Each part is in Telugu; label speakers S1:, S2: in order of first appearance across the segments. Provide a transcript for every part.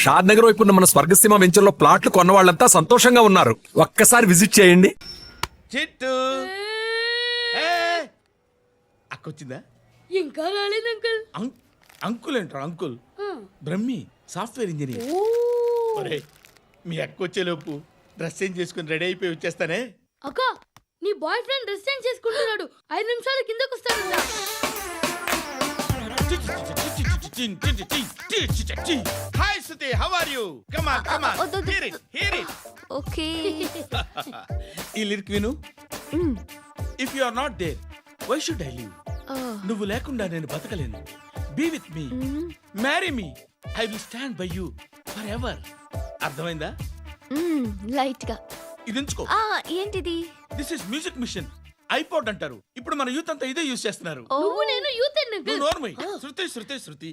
S1: షాద్ నగర్ వైపు ఉన్న మన స్వర్గసీమ వెంచర్లో ప్లాట్లు కొన్న వాళ్ళంతా సంతోషంగా ఉన్నారు. ఒక్కసారి విజిట్ చేయండి.
S2: చిట్టు అక్కొచ్చిందా?
S3: ఇంకా రాలేదు అంకుల్.
S2: అంకుల్ ఏంట్రా అంకుల్? Brahmi software engineer. ఒరే మీ అక్క వచ్చేలోపు డ్రెస్ చేంజ్ చేసుకుని రెడీ అయిపోయి వచ్చేస్తానే.
S3: అక్క నీ బాయ్ ఫ్రెండ్ డ్రెస్ చేంజ్ చేసుకుంటున్నాడు. 5 నిమిషాలు కిందకు వస్తాడంట.
S2: Hi Suthi, how are you? Come on come on, hear it.
S4: Okay.
S2: ఈ లిరిక్ విను. If you are not there why should I live? నువ్వు లేకుండా నేను బతకలేను. Be with me, marry me, I will stand by you forever. అర్థమైందా?
S4: లైట్ గా.
S2: ఇది ఉంచుకో.
S4: ఏంటిది?
S2: This is music machine. IPod అంటారు. ఇప్పుడు మన యూత్ అంతా ఇదే యూజ్ చేస్తున్నారు.
S3: నువ్వు నేను యూత్ అంకుల్.
S2: నోర్మై. శృతి శృతి శృతి.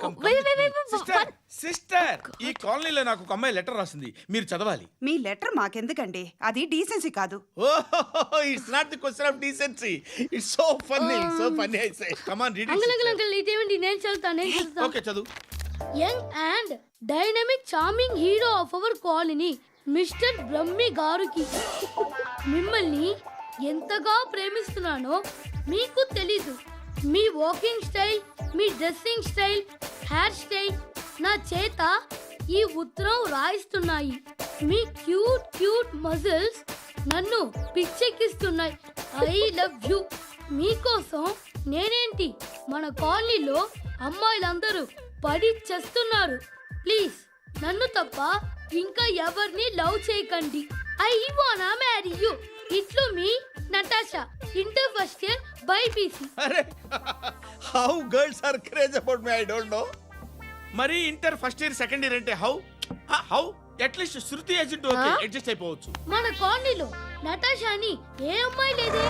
S2: సిస్టర్, ఈ కాలనీలో నాకు ఒక అమ్మాయి లెటర్ రాసింది, మీరు చదవాలి.
S5: మీ లెటర్ మాకెందుకండి? అది డీసెన్సీ కాదు.
S2: Oh, it's not the question of decency. It's so funny, so funny. I say come on read
S3: uncle
S2: it.
S3: Uncle uncle ఇదేంటి? నేను చదువుతాను.
S2: ఓకే చదువు.
S3: Young and dynamic charming hero of our colony mister Brahmi గారికి మిమ్మల్ని ఎంతగా ప్రేమిస్తున్నానో మీకు తెలీదు. మీ వాకింగ్ స్టైల్, మీ డ్రెస్సింగ్ స్టైల్, హెయిర్ స్టైల్ నా చేత ఈ ఉత్తరం రాయిస్తున్నాయి. మీ క్యూట్ క్యూట్ మజిల్స్ నన్ను పిచ్చెక్కిస్తున్నాయి. I love you. మీకోసం నేనేంటి, మన కాలనీలో అమ్మాయిలందరూ పడి చేస్తున్నారు. ప్లీజ్ నన్ను తప్ప ఇంకా ఎవరిని లవ్ చేయకండి. ఐ వానా మ్యారీ యూ. ఇట్లు మీ Natasha, inter first year BiPC.
S2: అరే, how girls are craze about me I don't know. మరి inter first year second year అంటే how how at least Shruti agent okay adjust అయిపోవచ్చు.
S3: మన కాలనీలో నటాషా అని ఏ అమ్మాయి లేదే.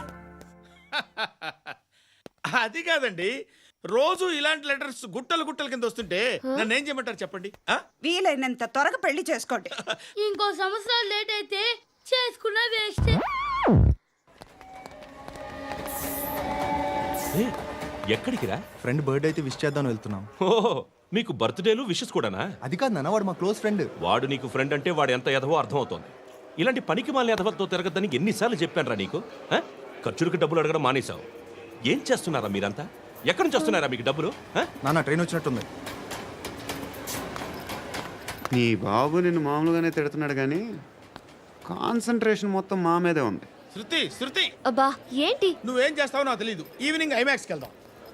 S2: అది కాదండి, రోజు ఇలాంటి లెటర్స్ గుట్టలు గుట్టల కింద వస్తుంటే నన్ను ఏం చేయమంటారు చెప్పండి?
S5: వీలైనంత త్వరగా పెళ్లి చేసుకోండి.
S3: ఇంకో సంవత్సరాలు లేట్ అయితే చేసుకున్న వేస్ట్.
S6: ఎక్కడికి రా?
S7: ఫ్రెండ్ బర్త్డే అయితే విష్ చేద్దాం వెళ్తున్నాం.
S6: ఓహో, మీకు బర్త్డేలు విషెస్ కూడానా?
S7: అది కాదు నాన్న, వాడు మా క్లోజ్ ఫ్రెండ్.
S6: వాడు నీకు ఫ్రెండ్ అంటే వాడు ఎంత ఎదవో అర్థమవుతోంది. ఇలాంటి పనికి మాలిన ఎదవలతో తిరగద్దని ఎన్నిసార్లు చెప్పానురా నీకు? ఖర్చులకు డబ్బులు అడగడం మానేశావు. ఏం చేస్తున్నారా మీరంతా? ఎక్కడి నుంచి వస్తున్నారా మీకు డబ్బులు?
S7: నాన్న ట్రైన్ వచ్చినట్టుంది.
S8: నీ బాబు నిన్ను మామూలుగానే తిడుతున్నాడు కానీ కాన్సన్ట్రేషన్ మొత్తం మా మీదే ఉంది.
S2: శృతి శృతి,
S4: అబ్బా ఏంటి?
S2: నువ్వేం చేస్తావో నాకు తెలీదు. ఈవినింగ్ ఐమాక్స్కి వెళ్దాం.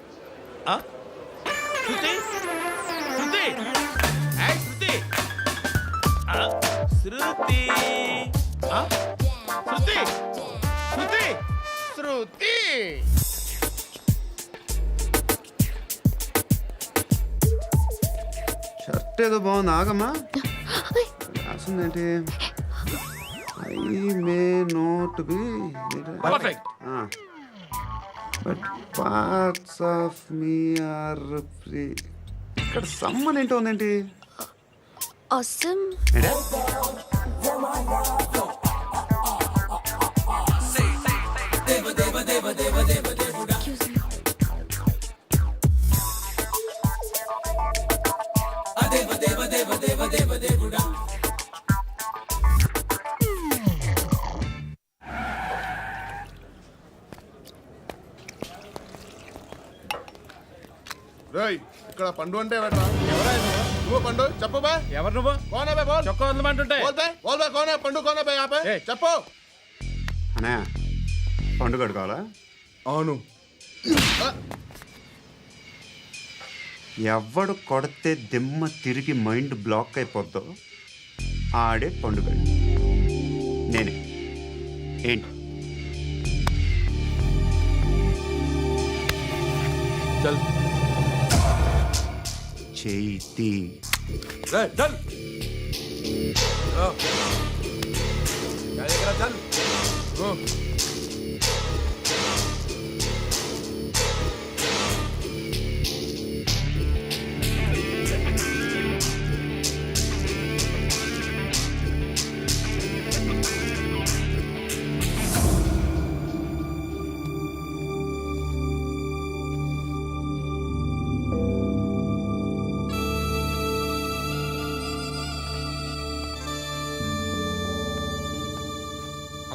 S2: శృతి శృతి, ఏయ్ శృతి, శృతి, శృతి, శృతి, శృతి.
S8: షర్ట్ ఏదో బాగుంది, ఆగమ్మా. రాసిందేంటి? I may not be
S2: perfect.
S8: But parts of me are free. ఇక్కడ సమ్మన్ ఏంటో ఉందేంటి?
S4: awesome.
S9: ఇక్కడ పండు అంటే నువ్వు పండు చెప్పు బా.
S2: ఎవరు నువ్వు?
S9: కోనే బే బోల్.
S2: చొక్కా వదలమంటుంటే
S9: బోల్ బే కోనే పండు కోనే బే ఆపే చెప్పు.
S8: అనే పండుగ కావాలా?
S9: అవును.
S8: ఎవడు కొడితే దిమ్మ తిరిగి మైండ్ బ్లాక్ అయిపోద్దో ఆడే పండుగ. నేనే. ఏంటి?
S6: చల్
S8: చేతి
S6: చల్.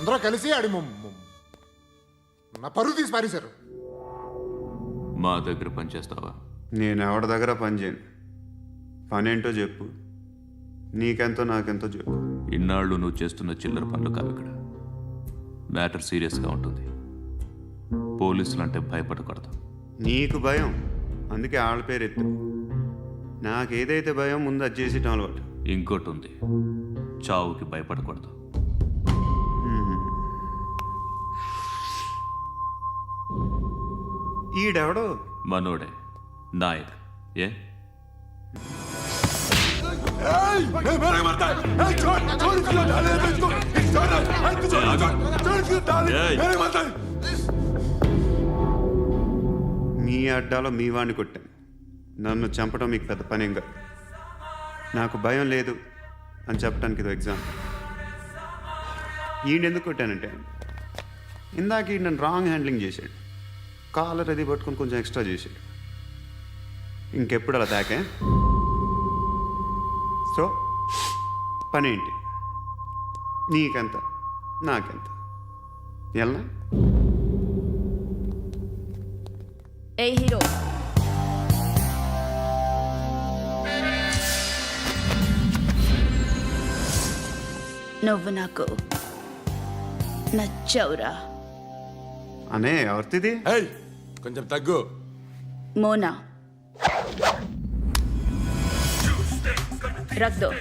S9: అందరూ కలిసి ఆడి నా పరువు తీసి పారేశారు.
S10: మా దగ్గర పనిచేస్తావా?
S8: నేను ఎవరి దగ్గర పని చేయను. పని ఏంటో చెప్పు. నీకెంతో నాకెంతో చెప్పు.
S10: ఇన్నాళ్ళు నువ్వు చేస్తున్న చిల్లర పనులు కావు ఇక్కడ. మ్యాటర్ సీరియస్గా ఉంటుంది. పోలీసులు అంటే భయపడకూడదు.
S8: నీకు భయం, అందుకే ఆళ్ళ పేరు ఎత్తు. నాకేదైతే భయం ముందు అది చేసేటం అలవాటు.
S10: ఇంకోటి ఉంది, చావుకి భయపడకూడదు.
S8: ఈడెవడో
S10: మనోడే నాయక్. ఏ
S8: మీ అడ్డాలో మీ వాడిని కొట్టాను. నన్ను చంపడం మీకు పెద్ద పనేం కాదు. నాకు భయం లేదు అని చెప్పడానికి ఇది ఎగ్జాంపుల్. ఈయనెందుకు కొట్టానంటే ఇందాక ఈయన నన్ను రాంగ్ హ్యాండ్లింగ్ చేశాడు. కాలర్ అది పట్టుకొని కొంచెం ఎక్స్ట్రా చేశాడు. ఇంకెప్పుడు అలా తాకే. సో పని ఏంటి? నీకెంత నాకెంత ఎలా?
S4: ఏ హీరో, నువ్వు నాకు నచ్చవురా.
S8: అనే ఎవరిది?
S9: కొంచెం తగ్గు.
S4: మోనా రక్ దో.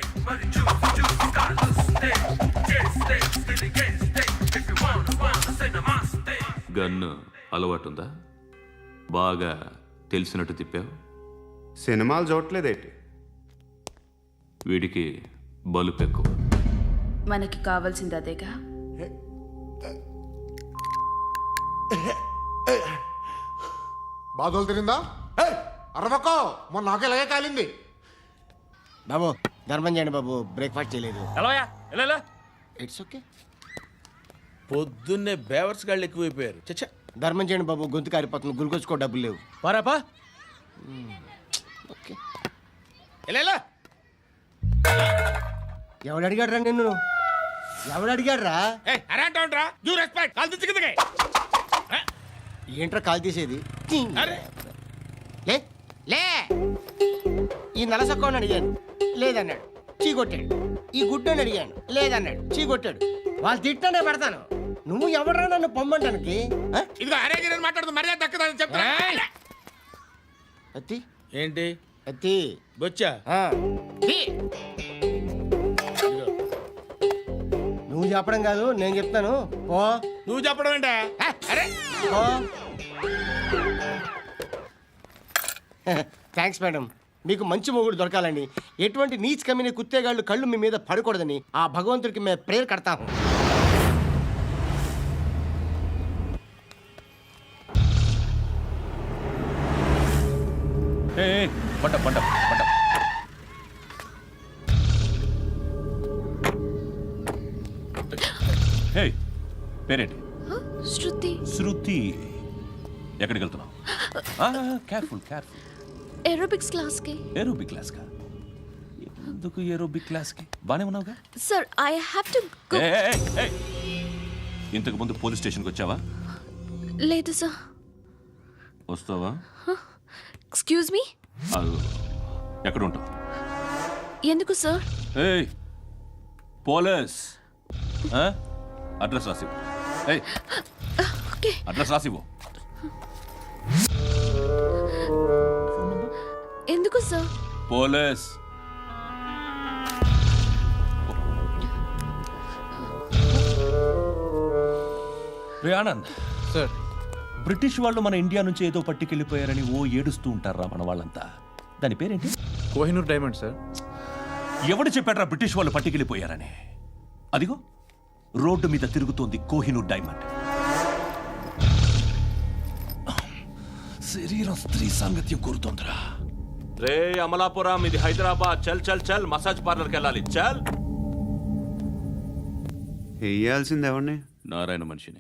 S10: గన్ను అలవాటుందా? బాగా తెలిసినట్టు తిప్పావు.
S8: సినిమాలు చూడట్లేదేంటి?
S10: వీడికి బలుపు ఎక్కువ.
S4: మనకి కావాల్సింది అదేగా.
S9: బాధలు తిరిందా? అరవకో, మొన్న నాకు ఇలాగే కాలింది.
S11: బాబు ధర్మం చేయండి బాబు, బ్రేక్ఫాస్ట్ చేయలేదు.
S2: It's okay. పొద్దున్నే బేవర్స్ గాళ్ళు ఎక్కువైపోయారు. చచ్చా,
S11: ధర్మం చేయండి బాబు, గొంతు కారిపోతుంది, గురికొచ్చుకో డబ్బులు లేవు.
S2: పారాపా.
S11: ఓకే.
S2: ఎలా
S11: ఎవడు అడిగాడురా నిన్ను? ఎవడు అడిగాడురా?
S2: అరేంటరా యూ రెస్పెక్ట్ కాల్ తెచ్చి కిందకి.
S11: ఏంట్రా కాల్ తీసేది?
S2: అరే
S11: లే లే. ఈ నలసక్కని అడిగాను, లేదన్నాడు, చీ కొట్టాడు. ఈ గుడ్డని అడిగాను, లేదన్నాడు, చీ కొట్టాడు. వాళ్ళు తిట్టానే పెడతాను. నువ్వు ఎవడరా నన్ను పొమ్మంటానికి?
S2: ఇదిగో అరే గిరని మాట్లాడుతూ మర్యాద దక్కదని చెప్తా.
S11: అత్తి
S2: ఏంటి
S11: అత్తి
S2: బొచ్చా?
S11: తీ. నువ్వు చెప్పడం కాదు, నేను చెప్తాను. ఓ
S2: నువ్వు చెప్పడం ఏంటే? అరే
S11: ఓ. Thanks madam. మీకు మంచి మొగుడు దొరకాలని, ఎటువంటి నీచ్ కమ్మిన కుత్తేగాళ్ళు కళ్ళు మీ మీద పడకూడదని ఆ భగవంతుడికి మేము ప్రేయర్ కడతాము.
S10: పంట పంట పంట. హే, పేరేంటి?
S4: శృతి.
S10: శృతి. ఎక్కడికి వెళ్తున్నావు? Careful careful.
S4: ఏరోబిక్స్ క్లాస్ కి.
S10: ఏరోబిక్ క్లాస్కా? ఎందుకు ఏరోబిక్ క్లాస్కి? బానే ఉన్నావుగా.
S4: Sir I have to go.
S10: ఇంతకు ముందు పోలీస్ స్టేషన్కి వచ్చావా?
S4: లేదు సార్.
S10: వస్తావా?
S4: Excuse me.
S10: ఎక్కడ ఉంటావు?
S4: ఎందుకు సార్?
S10: ఏయ్ పోలీస్, అడ్రస్ రాసివ్వు. ఏయ్
S4: ఓకే.
S10: అడ్రస్ రాసివ్వు.
S4: ఎందుకు సార్?
S10: పోలీస్. రే ఆనంద్
S1: సార్,
S10: బ్రిటిష్ వాళ్ళు మన ఇండియా నుంచి ఏదో పట్టుకెళ్ళిపోయారని ఓ ఏడుస్తూ ఉంటారా మన వాళ్ళంతా. దాని పేరేంటి?
S1: Kohinoor diamond sir.
S10: ఎవడు చెప్పాడ్రా బ్రిటిష్ వాళ్ళు పట్టుకెళ్ళిపోయారని? అదిగో రోడ్డు మీద తిరుగుతోంది కోహినూర్ డైమండ్. శరీరం స్త్రీ సాంగత్యం కోరుతోందిరా.
S6: రే అమలాపురం, ఇది హైదరాబాద్. చల్ చల్ చల్, మసాజ్ పార్లర్కి వెళ్ళాలి. చల్.
S8: వేయాల్సింది ఎవరిని?
S10: నారాయణ మనిషిని.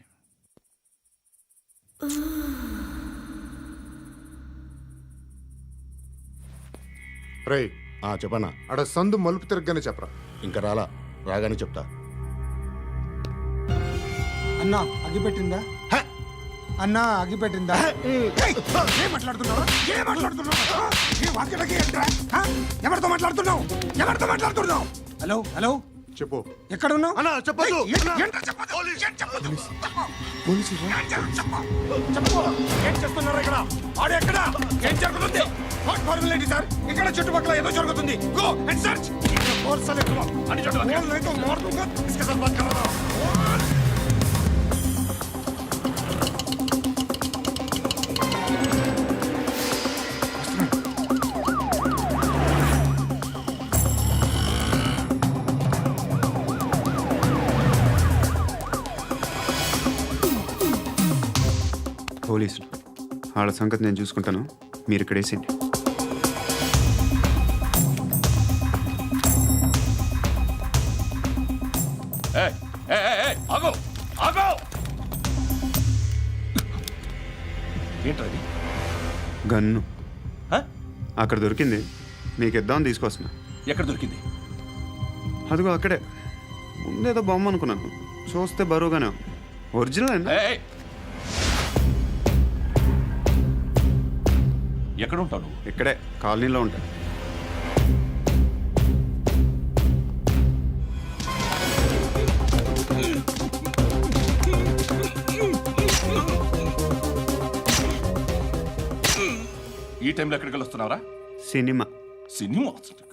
S9: రే చెప్పనా? అడ సందు మలుపు తిరగగానే చెప్పరా.
S11: ఇంకా రాలా, రాగానే చెప్తా.
S12: అన్నా అగిపెట్టిందా అన్నా అగిపెట్టిందా ఏం మాట్లాడుతున్నావు ఎవరితో మాట్లాడుతున్నావు హలో హలో
S9: చెప్పు
S12: ఎక్కడ ఉన్నావు
S9: అన్నా చెప్పదు
S12: ఏం చేస్తున్నారు ఇక్కడ ఆడు ఎక్కడ ఏం జరుగుతుంది వాట్ ఫార్ములేంటి సార్ ఇక్కడ చుట్టుపక్కల ఏదో జరుగుతుంది గో అండ్ సర్చ్ ఫోర్స్ అని
S8: పోలీసులు వాళ్ళ సంగతి నేను చూసుకుంటాను, మీరు ఇక్కడ వేసేయండి.
S6: ఆగో ఆగో ఏంటది?
S8: గన్ను అక్కడ దొరికింది, మీకు ఇద్దామని తీసుకొస్తున్నా.
S6: ఎక్కడ దొరికింది?
S8: అదిగో అక్కడే. ముందేదో బొమ్మ అనుకున్నాను, చూస్తే బరువుగానే ఉంది. ఒరిజినల్ అండి.
S6: ఎక్కడ ఉంటావు?
S8: ఇక్కడే కాలనీలో ఉంటా.
S6: ఈ టైంలో ఎక్కడికి వస్తున్నావురా?
S8: సినిమా.
S6: సినిమా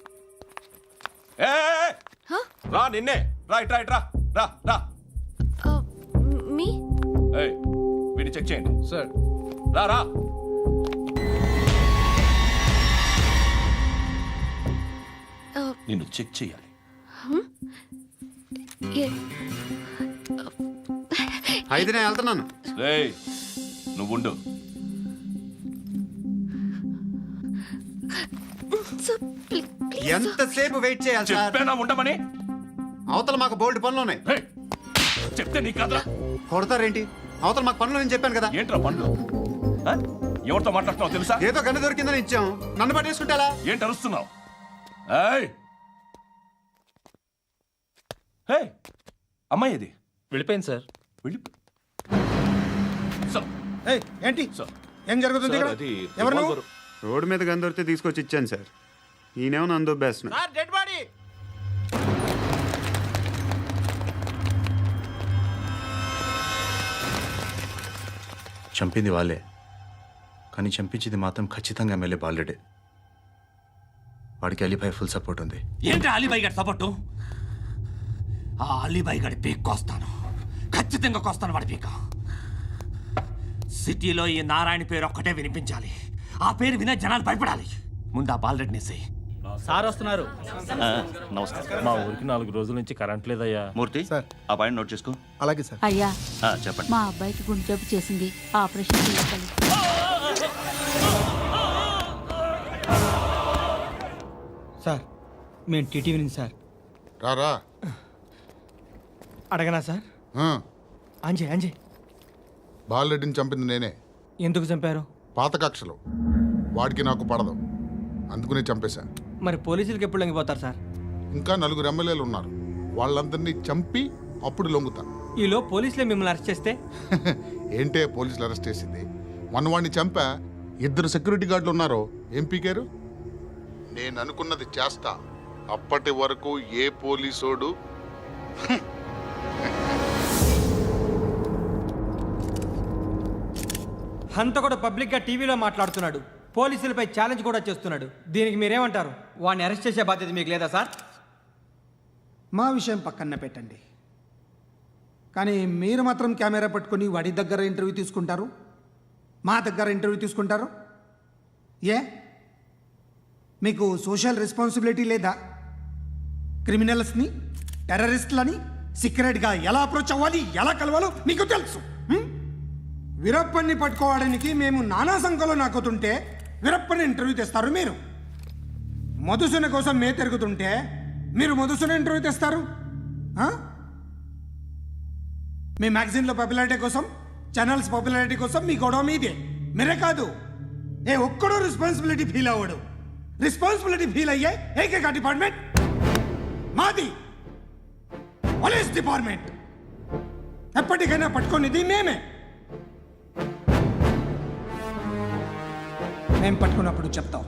S6: రా, నిన్నే రా, ఇట్రా ఇట్రా, రా రా.
S4: మీ
S6: వీడిని చెక్ చేయండి సార్. రా రా. నిన్ను చెక్ చేయాలి.
S8: అయితే నేను వెళ్తున్నాను.
S6: రేయ్ నువ్వుండు.
S8: ఎంతసేపు వెయిట్ చేయాలి సార్?
S6: చెప్పేనా ఉండమని?
S8: అవతల మాకు బోల్డ్ పనులు ఉన్నాయి.
S6: రేయ్, చెప్తే నీకు కదరా?
S8: కొడతారేంటి? అవతల మాకు పనులు నేను చెప్పాను కదా.
S6: ఏంట్రా పనులు? ఎవరితో మాట్లాడుతున్నావు తెలుసా?
S8: ఏదో గన్ను దొరికిందని ఇచ్చాం, నన్ను పట్టేసుకుంటా.
S6: ఏంటి అరుస్తున్నావు? అమ్మాయి ఇది
S1: వెళ్ళిపోయింది సార్.
S12: ఏంటి ఏం జరుగుతుంది ఇక్కడ? ఎవరు నువ్వు?
S8: రోడ్డు మీద గన్ను దొరికితే తీసుకొచ్చి ఇచ్చాను సార్. ఈయనేమో నన్ను దొబ్బేస్తున్నా.
S11: Dead body.
S7: చంపింది వాళ్ళే, కానీ చంపించింది మాత్రం ఖచ్చితంగా ఎమ్మెల్యే బాలుడే. వాడికి అలీభాయ్ ఫుల్ సపోర్ట్ ఉంది.
S2: ఏంటి అలీబాయి గారి సపోర్టు? ఆ అలీబాయి గారి పీక్ కోస్తాను, ఖచ్చితంగా కోస్తాను వాడి పీక. సిటీలో ఈ నారాయణ పేరు ఒక్కటే వినిపించాలి. ఆ పేరు వినే జనాలు భయపడాలి. ముందు ఆ బాలరెడ్డి నేసేయి.
S11: సార్ వస్తున్నారు.
S10: నమస్కారం.
S1: మా ఊరికి 4 రోజుల నుంచి కరెంట్ లేదయ్యా.
S10: మూర్తి
S7: సార్.
S10: ఆ పాయింట్ నోట్ చేసుకో.
S7: అలాగే సార్.
S4: అయ్యా
S10: చెప్పండి.
S4: మా అబ్బాయికి గుండె జబ్బు చేసింది, ఆపరేషన్ చేయాలి.
S12: సార్ మేము టీటీవీ నుంచి సార్.
S9: రారా.
S12: అడగనా సార్? అంజయ్
S9: బాలరెడ్డిని చంపింది నేనే.
S12: ఎందుకు చంపారు?
S9: పాత కక్షలు, వాడికి నాకు పడదు, అందుకునే చంపేశాను.
S12: మరి పోలీసులకి ఎప్పుడు లొంగిపోతారు సార్?
S9: ఇంకా 4 ఎమ్మెల్యేలు ఉన్నారు, వాళ్ళందరినీ చంపి అప్పుడు లొంగుతాను.
S12: ఈలో పోలీసులే మిమ్మల్ని అరెస్ట్ చేస్తే?
S9: ఏంటే పోలీసులు అరెస్ట్ చేసింది? మొన్న వాడిని చంపా, 2 సెక్యూరిటీ గార్డులు ఉన్నారో ఏం పీకారు? నేను అనుకున్నది చేస్తా, అప్పటి వరకు ఏ పోలీసోడు
S12: హంత కూడా పబ్లిక్గా టీవీలో మాట్లాడుతున్నాడు, పోలీసులపై ఛాలెంజ్ కూడా చేస్తున్నాడు. దీనికి మీరేమంటారు? వాడిని అరెస్ట్ చేసే బాధ్యత మీకు లేదా సార్? మా విషయం పక్కన పెట్టండి, కానీ మీరు మాత్రం కెమెరా పట్టుకొని వాడి దగ్గర ఇంటర్వ్యూ తీసుకుంటారు, మా దగ్గర ఇంటర్వ్యూ తీసుకుంటారు. ఏ మీకు సోషల్ రెస్పాన్సిబిలిటీ లేదా? క్రిమినల్స్ని, టెర్రరిస్టులని సీక్రెట్గా ఎలా అప్రోచ్ అవ్వాలి, ఎలా కలవాలో మీకు తెలుసు. వీరప్పన్ని పట్టుకోవడానికి మేము నానా సంఖ్యలో నాకుతుంటే వీరప్పని ఇంటర్వ్యూ తెస్తారు మీరు. మధుసూన కోసం మే తిరుగుతుంటే మీరు మధుసూన ఇంటర్వ్యూ తెస్తారు. మీ మ్యాగజైన్లో పాపులారిటీ కోసం, ఛానల్స్ పాపులారిటీ కోసం మీ గొడవ మీదే. మీరే కాదు, ఏ ఒక్కడో రెస్పాన్సిబిలిటీ ఫీల్ అవ్వడు. రెస్పాన్సిబిలిటీ ఫీల్ అయ్యే ఏకైక డిపార్ట్మెంట్ మాది, పోలీస్ డిపార్ట్మెంట్. ఎప్పటికైనా పట్టుకునేది మేమే. మేము పట్టుకున్నప్పుడు చెప్తాం.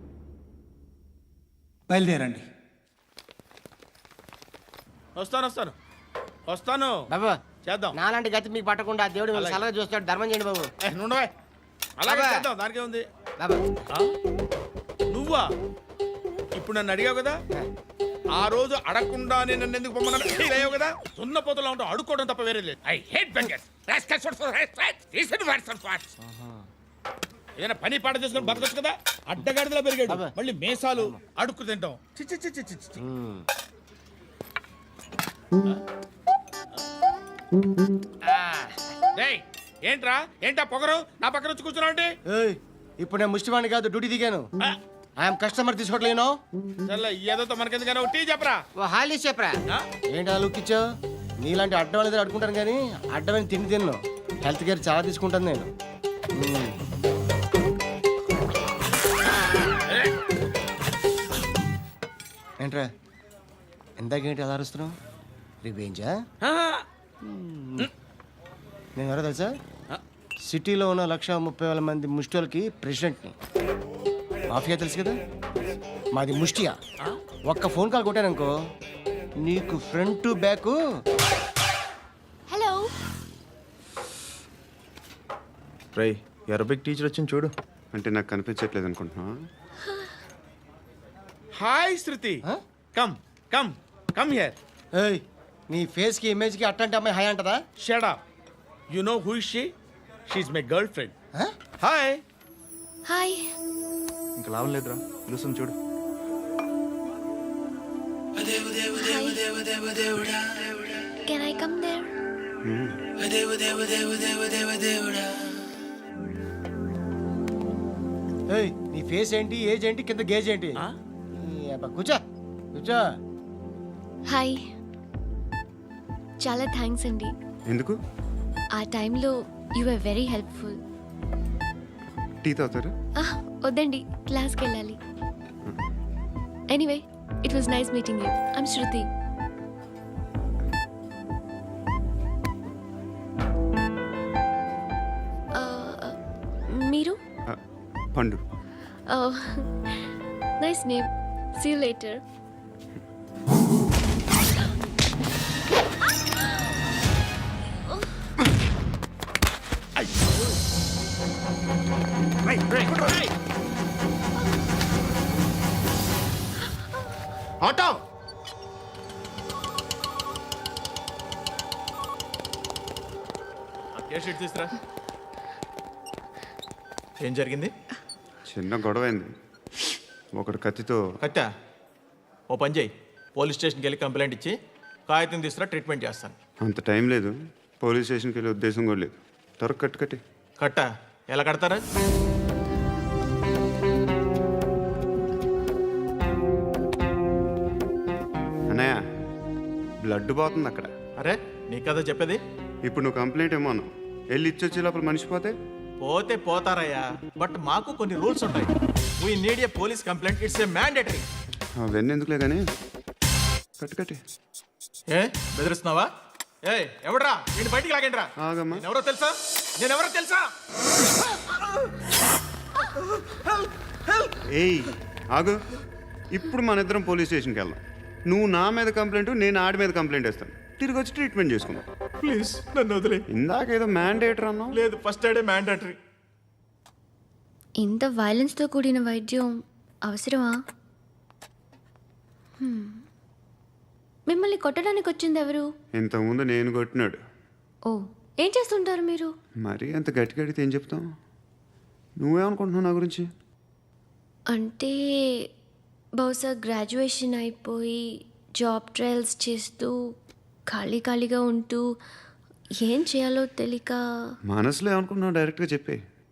S12: బయలుదేరండి.
S2: వస్తాను
S11: బాబు
S2: చేద్దాం.
S11: నాలాంటి గతి మీకు పట్టకుండా దేవుడు మిమ్మల్ని సలహా చూస్తాడు. ధర్మం చేయండి బాబు.
S2: నుండవే అలాగే
S11: అబ్బా.
S2: చేద్దాం, దానికే ఉంది.
S11: బాబు
S2: నువ్వా ఇప్పుడు నన్ను అడిగావు కదా, ఆ రోజు అడగకుండా నేను నన్ను ఎందుకు పొమ్మన్నాను ఫీల్ అయ్యావు కదా. సున్న పోతలో ఉంటావు, అడుక్కోవడం తప్ప వేరే లేదు. I hate beggars. ఏదైనా పని పాట చేసుకుని బతకొచ్చు కదా. అడ్డగాడిదలా పెరిగాడు,
S11: అబ్బా.
S2: మళ్ళీ మేసాలు అడుక్కు తింటాం. చి చి చి చి చి చి. డేయ్, ఏంటా పొగరు నా పక్కన వచ్చి కూర్చున్నావు అంటే?
S11: ఏయ్, ఇప్పుడు నేను ముష్టివాణి కాదు, డ్యూటీ దిగాను. ఐఎమ్ కస్టమర్ తీసుకోవట్లేను.
S2: సర్లే ఏదో మనకెందుకైనా టీ చెప్పరా.
S11: ఓ హాలీస్ చెప్పరా. ఏంటి అలా లుక్ ఇచ్చావు? నీలాంటి అడ్డం వాళ్ళ దగ్గర అడుకుంటాను కానీ అడ్డమైన తిండి తిన్ను. హెల్త్ కేర్ చాలా తీసుకుంటాను నేను. ఏంట్రా ఎందాకేంటి అలా అరుస్తున్నావు? రివేంజా? నేను ఎవరో తెలుసా? సిటీలో ఉన్న 130,000 మంది ముష్టిలకి ప్రెసిడెంట్ని. మాఫియా తెలుసు కదా, మాది ముష్టియా. ఒక్క ఫోన్ కాల్ కొట్టాననుకో నీకు ఫ్రంట్ టు బ్యాక్.
S4: హలో.
S7: రై అరబిక్ టీచర్ వచ్చింది చూడు.
S8: అంటే నాకు కనిపించట్లేదు అనుకుంటున్నా.
S2: Hi Shruti, come come come here.
S11: ఏయ్, నీ ఫేస్ కి ఇమేజ్ కి అట్లాంటి అమ్మాయి హాయ్ అంటదా?
S2: Shut up. You know who is she? She is my girlfriend. Hi.
S4: Hi.
S7: ఇంకా లాభం లేదురా, పిలుస్తుంది చూడు.
S4: Can I come there?
S11: ఏయ్, నీ ఫేస్ ఏంటి, ఏజ్ ఏంటి, కింద గేజ్ ఏంటి? ఈ అబ్బా, కూర్చో కూర్చో.
S4: హాయ్. చాలా థ్యాంక్స్ అండి.
S8: ఎందుకు?
S4: ఆ టైంలో you are very helpful.
S8: Tea తాగుతారా?
S4: వద్దండి, క్లాస్కి వెళ్ళాలి. Anyway, it was nice meeting you. I'm Shruti. మీరు?
S8: Pandu.
S4: Nice name. See you later.
S8: Auto.
S2: తీసురా.
S7: ఏం జరిగింది?
S8: చిన్న గొడవ అయింది. ఒకడు కత్తితో.
S7: కట్టా ఓ పని చేయి, పోలీస్ స్టేషన్కి వెళ్ళి కంప్లైంట్ ఇచ్చి కాగితం తీసుకురా, ట్రీట్మెంట్ చేస్తాను.
S8: అంత టైం లేదు, పోలీస్ స్టేషన్కి వెళ్ళే ఉద్దేశం కూడా లేదు. త్వరగా కట్టి.
S7: కట్టా ఎలా కడతారా?
S8: అన్నయ్య, బ్లడ్ పోతుంది అక్కడ.
S7: అరే నీ కదా చెప్పేది.
S8: ఇప్పుడు నువ్వు కంప్లైంట్ ఏమో అన్నావు, వెళ్ళి ఇచ్చొచ్చే లోపల మనిషి పోతే?
S7: పోతే పోతారయ్యా, బట్ మాకు కొన్ని రూల్స్ ఉంటాయి. We need a police complaint, it's a mandatory.
S8: అవన్నీ ఎందుకులే కానీ కట్టి.
S7: ఏ బెదిరిస్తున్నావా? ఏ ఎవడ్రా నేను బయటికి లాగండి రా.
S8: ఆగమ్మా.
S7: ఎవరో తెలుసా? నేనెవరో తెలుసా?
S8: ఏయ్ ఆగు. ఇప్పుడు మన ఇద్దరం పోలీస్ స్టేషన్కి వెళ్దాం. నువ్వు నా మీద కంప్లైంట్, నేను ఆడి మీద కంప్లైంట్ వేస్తాను. తిరిగి వచ్చి ట్రీట్మెంట్ చేసుకుందాం.
S7: ప్లీజ్ నన్ను వదిలే.
S8: ఇందాకేదో మ్యాండేటర్ అన్నావు.
S7: లేదు, ఫస్ట్ ఎయిడే మ్యాండేటరీ.
S4: ఇంత వైలెన్స్తో కూడిన వైద్యం అవసరమా? మిమ్మల్ని కొట్టడానికి వచ్చింది ఎవరు?
S8: ఇంతకుముందు నేను కొట్టినాడు.
S4: ఓ, ఏం చేస్తుంటారు మీరు?
S8: మరీ అంత గట్టి గడితే ఏం చెప్తాం? నువ్వేమనుకుంటున్నావు నా గురించి?
S4: అంటే బహుశా గ్రాడ్యుయేషన్ అయిపోయి జాబ్ ట్రయల్స్ చేస్తూ ఖాళీగా ఉంటూ ఏం చేయాలో తెలియక.
S8: మనసులో ఏమనుకుంటున్నావు డైరెక్ట్గా చెప్పే.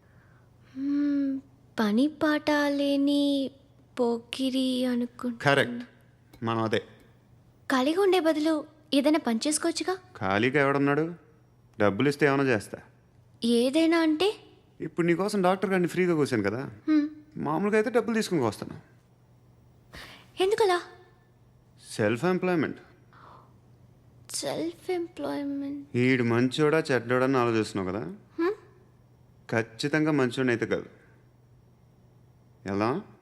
S4: పని పాట లేని పోకిరి అనుకుంటా.
S8: కరెక్ట్, మనం అదే.
S4: ఖాళీగా ఉండే బదులు ఏదైనా పని చేసుకోవచ్చుగా.
S8: ఖాళీగా ఎవడన్నాడు? డబ్బులు ఇస్తే ఏమైనా చేస్తా.
S4: ఏదైనా అంటే?
S8: ఇప్పుడు నీకోసం డాక్టర్ గారిని ఫ్రీగా కూర్చాను కదా, మామూలుగా అయితే డబ్బులు తీసుకుని వస్తాను.
S4: ఎందుకలా?
S8: Self employment.
S4: Self employment.
S8: ఈడు మంచోడా చెడ్డోడా అని ఆలోచిస్తున్నావు కదా ఖచ్చితంగా మంచోడని అయితే కాదు ఎలా